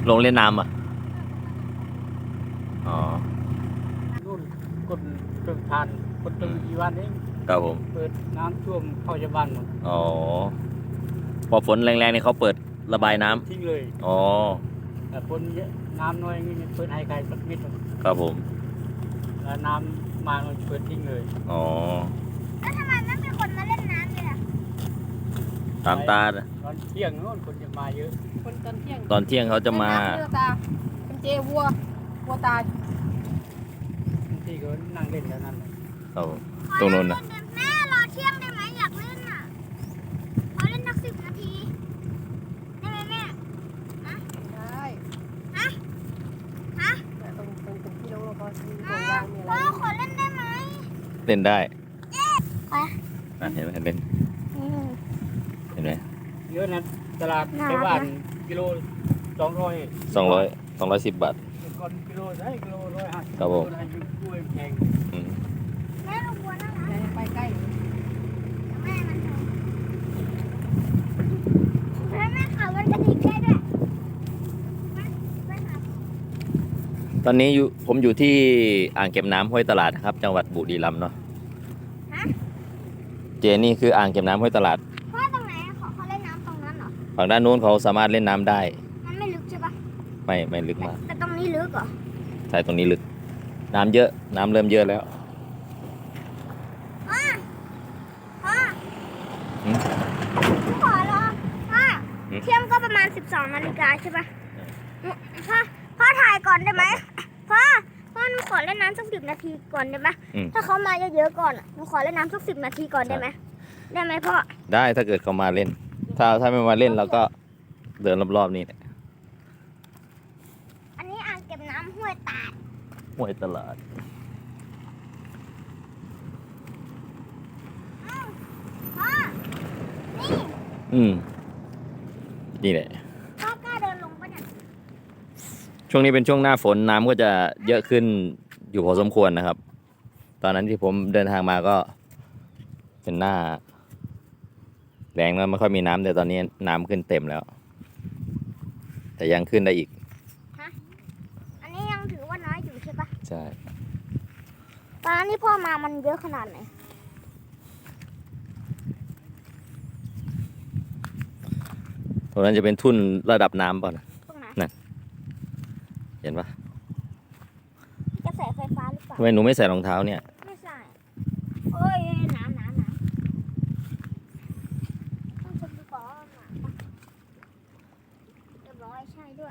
ลงเล่นน้ำอ่ะอ๋อรุ่นกดตึกทานกดตึกกี่วันเองครับผมเปิดน้ำท่วมเข้าชาวบ้านหมดอ๋อพอฝนแรงๆนี่เขาเปิดระบายน้ำทิ้งเลยอ๋อแต่ฝนเยอะน้ำน้อยนี่เปิดให้ใครสักนิดครับผมแล้วน้ำมาเราเปิดทิ้งเลยอ๋อแล้วทำไมไม่มีคนมาเล่นน้ำเลยล่ะตามตาตอนเที่ยงโน่นคนจะมาเยอะคนตอนเที่ยงเขาจะมาตาเป็นเจวัวตายบางทีก็นั่งเล่นแล้วนั่นเลยครับตรงนู้นนะแม่รอเที่ยงได้ไหมอยากเล่นอ่ะขอเล่นนัก10 นาทีได้ไหมแม่ได้ฮะตรงที่เราก็มีตัววางมีอะไรพ่อขอเล่นได้ไหมเล่นได้ไปเห็นไหมเล่นเห็นไหมเยอะนะตลาดในบ้านกิโล 210 บาทก่อนกิโลได้กิโล150 ครับผมกล้วยแพงแม่ลูกบัวนั่งนะไปใกล้แม่มันแม่ขับรถกระดิ่งได้ด้วยตอนนี้ผมอยู่ที่อ่างเก็บน้ำห้วยตลาดครับจังหวัดบุรีรัมย์เนาะเจนี่คืออ่างเก็บน้ำห้วยตลาดพ่อตรงไหนเขาเล่นน้ำตรงนั้นเหรอฝั่งด้านนู้นเขาสามารถเล่นน้ำได้มันไม่ลึกใช่ปะไม่ลึกมากแต่ตรงนี้ลึกเหรอใช่ตรงนี้ลึกน้ำเยอะน้ำเริ่มเยอะแล้วพ่อขอรอพ่อเที่ยงก็ประมาณ12 นาฬิกาใช่ปะพ่อถ่ายก่อนได้ไหมพ่อหนูขอเล่นน้ำสัก10 นาทีก่อนได้ไหมถ้าเขามาเยอะๆก่อนหนูขอเล่นน้ำสัก10 นาทีก่อนได้ไหมพ่อได้ถ้าเกิดเขามาเล่นถ้าไม่มาเล่นเราก็เดินรอบๆนี่แหละอันนี้อ่างเก็บน้ำห้วยตาดห้วยตลาดพ่อนี่แหละพ่อกล้าเดินลงปะเนี่ยช่วงนี้เป็นช่วงหน้าฝนน้ำก็จะเยอะขึ้นอยู่พอสมควรนะครับตอนนั้นที่ผมเดินทางมาก็เป็นหน้าแรงแล้วไม่ค่อยมีน้ำแต่ตอนนี้น้ำขึ้นเต็มแล้วแต่ยังขึ้นได้อีกอันนี้ยังถือว่าน้อยอยู่ใช่ปะใช่ตอนนั้นที่พ่อมามันเยอะขนาดไหนตรงนั้นจะเป็นทุ่นระดับน้ำป่ะนะตรงไหนนั่นเห็นปะกระแสไฟฟ้าหรือเปล่าทำไมหนูไม่ใส่รองเท้าเนี่ยไม่ใส่โอ้ยน้ำต้องชมดูก่อนเรียบร้อยใช่ด้วย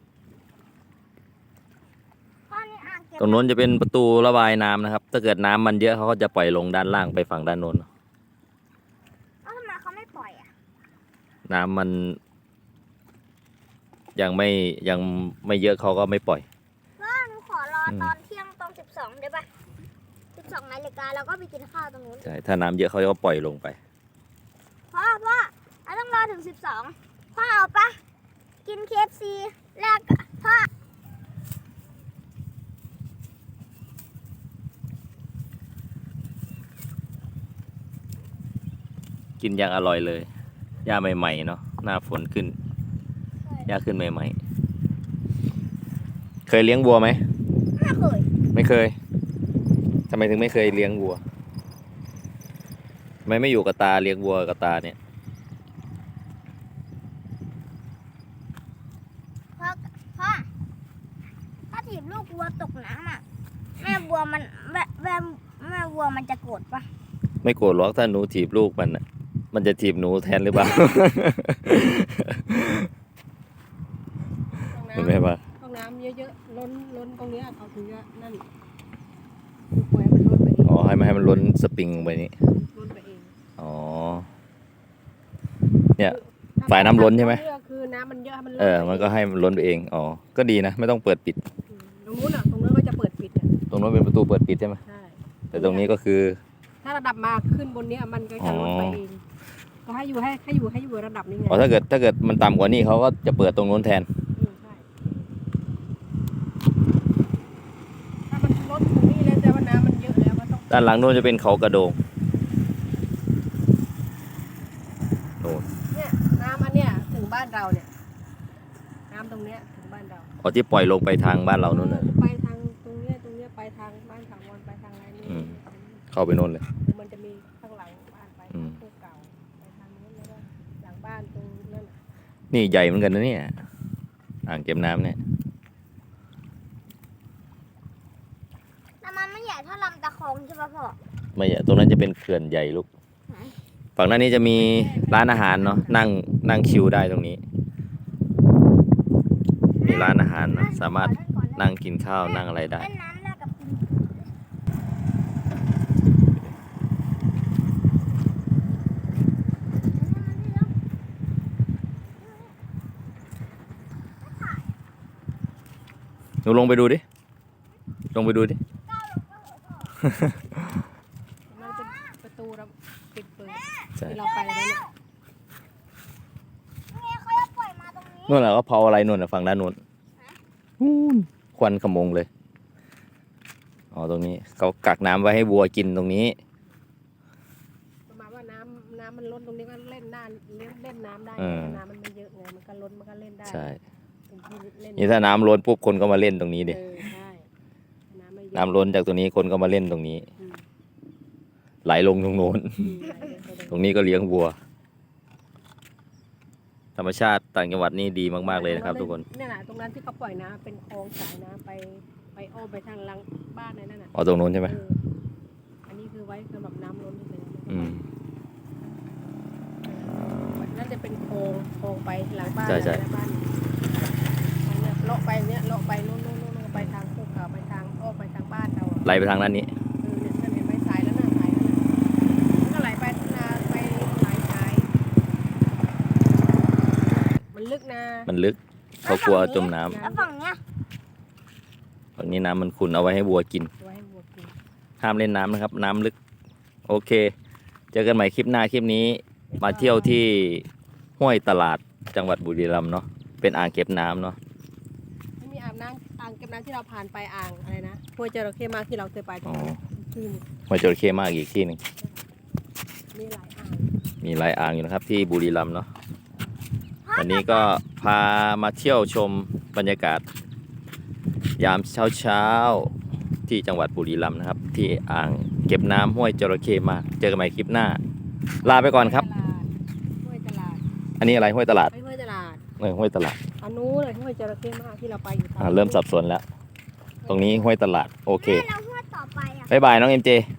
ตรงโน้นจะเป็นประตูระบายน้ำนะครับถ้าเกิดน้ำมันเยอะเขาก็จะปล่อยลงด้านล่างไปฝั่งด้านโน้นแล้วทำไมเขาไม่ปล่อยอ่ะน้ำมันยังไม่เยอะเขาก็ไม่ปล่อยหนูขอรอตอนเที่ยงตอน12ได้ปะ12 นาฬิกาแล้วก็ไปกินข้าวตรงนู้นใช่ถ้าน้ำเยอะเขาก็ปล่อยลงไปพ่อเราต้องรอถึง12พ่อเอาปะกิน KFC แรกพ่อกินอย่างอร่อยเลยหญ้าใหม่ๆเนาะหน้าฝนขึ้นหญ้าขึ้นใหม่ๆเคยเลี้ยงวัวไหมไม่เคยทำไมถึงไม่เคยเลี้ยงวัวทำไมไม่อยู่กับตาเลี้ยงวัวกับตาเนี่ยพ่อถ้าถีบลูกวัวตกน้ำอ่ะแม่วัวมันจะโกรธปะไม่โกรธหรอกถ้าหนูถีบลูกมันจะถีบหนูแทนหรือเปล่าเห็นไหมปะห้องน้ำเยอะๆล้นตรงนี้เขาถึงจะนั่นปล่อยมันล้นไปเองอ๋อให้มันล้นสปริงไปนี้ล้นไปเองอ๋อเนี่ยฝ่ายน้ำล้นใช่ไหมคือน้ำมันเยอะมันมันก็ให้มันล้นไปเองอ๋อก็ดีนะไม่ต้องเปิดปิดตรงนู้นก็จะเปิดปิดตรงนู้นเป็นประตูเปิดปิดใช่ไหมใช่แต่ตรงนี้ก็คือถ้าระดับมาขึ้นบนนี้มันก็จะลดไปเองก็ให้อยู่ระดับนี้ไงอ๋อถ้าเกิดมันต่ำกว่านี้เขาก็จะเปิดตรงนู้นแทนใช่ถ้ามันลดตรงนี้แล้วแต่ว่าน้ำมันเยอะแล้วก็ต้องด้านหลังนู้นจะเป็นเขากระโดงเนี่ยน้ำอันเนี้ยถึงบ้านเราเนี่ยน้ำตรงเนี้ยถึงบ้านบ้านเราอ๋อที่ปล่อยลงไปทางบ้านเรานู่นเลยไปทางตรงเนี้ยไปทางบ้านถาวรไปทางอะไรนี่เข้าไปนู่นเลยมันจะมีข้างหลังบ้านไปอืมทางเก่าไปทางนู้นแล้วก็หลังบ้านตรงนั้นน่ะนี่ใหญ่เหมือนกันนะเนี่ยอ่างเก็บน้ำเนี่ยแต่มันไม่ใหญ่เท่าลำตะคองใช่ปะพ่อไม่ใหญ่ตรงนั้นจะเป็นเขื่อนใหญ่ลูกไหนฝั่งนั้นนี้จะมีร้านอาหารเนาะนั่งคิวได้ตรงนี้ มีร้านอาหารเนอะสามารถนั่งกินข้าวนั่งอะไรได้เล่นน้ำแรกกับปิงมันนี่แล้วหนูลงไปดูดิ ลงไปดูดิมันเป็นประตูเราปิดเปิดใช่ที่เราไปแล้วเนี่ยนี่ไงเขาจะปล่อยมาตรงนี้นู่นแหละก็เผาอะไรนู่นน่ะฝั่งด้านนู้นนู่นควันขโมงเลย อ๋อตรงนี้เขากักน้ำไว้ให้วัวกินตรงนี้ประมาณว่าน้ำมันล้นตรงนี้ก็เล่นน้ำเล่นน้ำได้เออน้ำมันไม่เยอะไงมันก็ล้นมันก็เล่นได้ใช่เป็นที่เล่นนี่ถ้าน้ำล้นปุ๊บคนก็มาเล่นตรงนี้ดิใช่น้ำไม่เยอะน้ำล้นจากตรงนี้คนก็มาเล่นตรงนี้อืมไหลลงตรงโน้น ตรงนี้ก็เลี้ยงวัว ธรรมชาติต่างจังหวัดนี่ดีมากๆเลยนะครับ ทุกคนเนี่ยนะตรงนั้นที่เขาปล่อยน้ำเป็นคลองสายน้ำไปอ้อมไปทางหลังบ้านนั่นน่ะอ๋อตรงโน้นใช่ไหมอันนี้คือไว้สำหรับน้ำล้นเฉยอืมนั่นจะเป็นโครงไปหลังบ้านใช่หลังบ้านเนี่ยเลาะไปเนี่ยเลาะไปนู่นไปทางภูเขาไปทางอ้อมไปทางบ้านเราไหลไปทางด้านนี้เนี่ยเห็นไหมสายแล้วน่ะสายแล้วน่ะมันก็ไหลไปนาไปหลายสายมันลึกนะมันลึกเขากลัวจมน้ำแล้วฝั่งเนี้ยฝั่งนี้น้ำมันขุ่นเอาไว้ให้วัวกินไว้ให้วัวกินห้ามเล่นน้ำนะครับ น้ำลึก โอเค เจอกันใหม่คลิปหน้าคลิปนี้ มาเที่ยวที่ห้วยตลาดจังหวัดบุรีรัมย์เนาะเป็นอ่างเก็บน้ำเนาะไม่มีอ่างเก็บน้ำที่เราผ่านไปอ่างอะไรนะห้วยจระเข้มากที่เราเคยไปอ๋อที่นี่ห้วยจระเข้มากอีกที่หนึ่งมีหลายอ่างมีหลายอ่างอยู่นะครับที่บุรีรัมย์เนาะวันนี้ก็พามาเที่ยวชมบรรยากาศ ยามเช้าๆที่จังหวัดบุรีรัมย์นะครับ ที่อ่างเก็บน้ำห้วยจระเข้มากเจอกันใหม่คลิปหน้า ลาไปก่อนครับห้วยตลาดอันนี้อะไรห้วยตลาดไม่ห้วยตลาดห้วยตลาดอันนู้นเลยห้วยจระเข้มากที่เราไปอยู่เริ่มสับสนแล้ว ตรงนี้ห้วยตลาดโอเคแม่เราหัวต่อไปอ่ะบ๊ายบายน้องเอ็มเจ